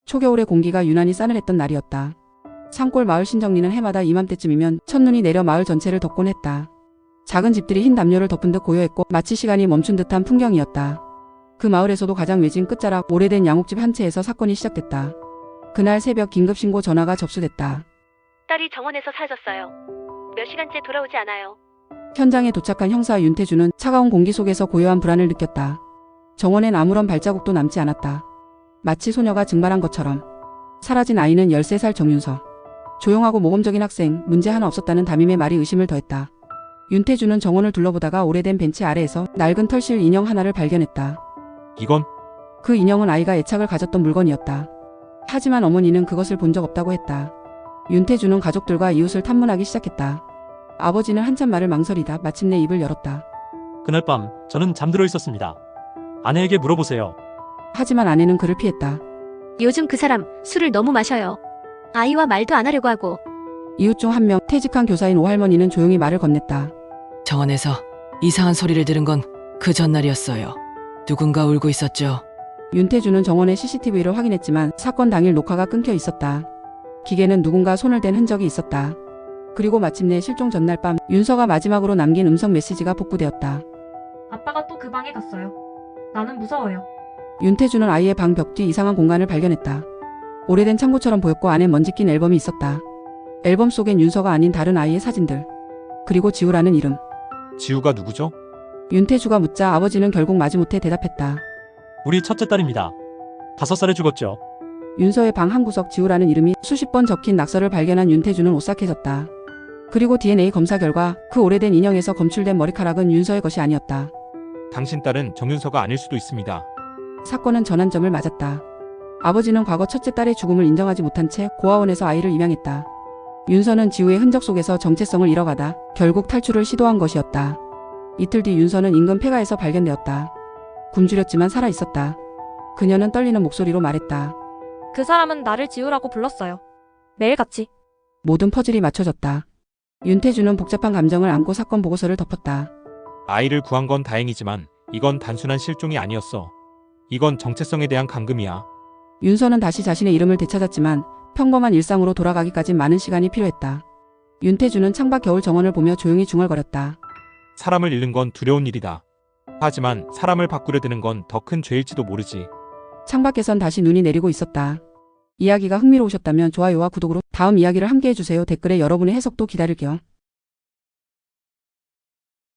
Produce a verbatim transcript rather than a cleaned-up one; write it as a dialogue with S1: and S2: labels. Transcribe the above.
S1: 초겨울의 공기가 유난히 싸늘했던 날이었다. 산골 마을 신정리는 해마다 이맘때쯤이면 첫눈이 내려 마을 전체를 덮곤 했다. 작은 집들이 흰 담요를 덮은 듯 고요했고 마치 시간이 멈춘 듯한 풍경이었다. 그 마을에서도 가장 외진 끝자락 오래된 양옥집 한 채에서 사건이 시작됐다. 그날 새벽 긴급신고 전화가 접수됐다.
S2: 딸이 정원에서 사라졌어요. 몇 시간째 돌아오지 않아요.
S1: 현장에 도착한 형사 윤태주는 차가운 공기 속에서 고요한 불안을 느꼈다. 정원엔 아무런 발자국도 남지 않았다. 마치 소녀가 증발한 것처럼. 사라진 아이는 열세 살 정윤서. 조용하고 모범적인 학생, 문제 하나 없었다는 담임의 말이 의심을 더했다. 윤태주는 정원을 둘러보다가 오래된 벤치 아래에서 낡은 털실 인형 하나를 발견했다.
S3: 이건?
S1: 그 인형은 아이가 애착을 가졌던 물건이었다. 하지만 어머니는 그것을 본 적 없다고 했다. 윤태주는 가족들과 이웃을 탐문하기 시작했다. 아버지는 한참 말을 망설이다 마침내 입을 열었다.
S3: 그날 밤 저는 잠들어 있었습니다. 아내에게 물어보세요.
S1: 하지만 아내는 그를 피했다.
S2: 요즘 그 사람 술을 너무 마셔요. 아이와 말도 안 하려고 하고.
S1: 이웃 중 한 명 퇴직한 교사인 오할머니는 조용히 말을 건넸다.
S4: 정원에서 이상한 소리를 들은 건 그 전날이었어요. 누군가 울고 있었죠.
S1: 윤태주는 정원의 씨씨티비를 확인했지만 사건 당일 녹화가 끊겨 있었다. 기계는 누군가 손을 댄 흔적이 있었다. 그리고 마침내 실종 전날 밤 윤서가 마지막으로 남긴 음성 메시지가 복구되었다.
S5: 아빠가 또 그 방에 갔어요. 나는 무서워요.
S1: 윤태주는 아이의 방 벽 뒤 이상한 공간을 발견했다. 오래된 창고처럼 보였고 안에 먼지 낀 앨범이 있었다. 앨범 속엔 윤서가 아닌 다른 아이의 사진들. 그리고 지우라는 이름.
S3: 지우가 누구죠?
S1: 윤태주가 묻자 아버지는 결국 마지못해 대답했다.
S3: 우리 첫째 딸입니다. 다섯 살에 죽었죠.
S1: 윤서의 방 한 구석 지우라는 이름이 수십 번 적힌 낙서를 발견한 윤태주는 오싹해졌다. 그리고 디엔에이 검사 결과 그 오래된 인형에서 검출된 머리카락은 윤서의 것이 아니었다.
S6: 당신 딸은 정윤서가 아닐 수도 있습니다.
S1: 사건은 전환점을 맞았다. 아버지는 과거 첫째 딸의 죽음을 인정하지 못한 채 고아원에서 아이를 입양했다. 윤서는 지우의 흔적 속에서 정체성을 잃어가다 결국 탈출을 시도한 것이었다. 이틀 뒤 윤서는 인근 폐가에서 발견되었다. 굶주렸지만 살아있었다. 그녀는 떨리는 목소리로 말했다.
S5: 그 사람은 나를 지우라고 불렀어요. 매일같이.
S1: 모든 퍼즐이 맞춰졌다. 윤태주는 복잡한 감정을 안고 사건 보고서를 덮었다.
S6: 아이를 구한 건 다행이지만 이건 단순한 실종이 아니었어. 이건 정체성에 대한 감금이야.
S1: 윤서는 다시 자신의 이름을 되찾았지만 평범한 일상으로 돌아가기까진 많은 시간이 필요했다. 윤태주는 창밖 겨울 정원을 보며 조용히 중얼거렸다.
S6: 사람을 잃는 건 두려운 일이다. 하지만 사람을 바꾸려 드는 건 더 큰 죄일지도 모르지.
S1: 창밖에선 다시 눈이 내리고 있었다. 이야기가 흥미로우셨다면 좋아요와 구독으로 다음 이야기를 함께 해주세요. 댓글에 여러분의 해석도 기다릴게요.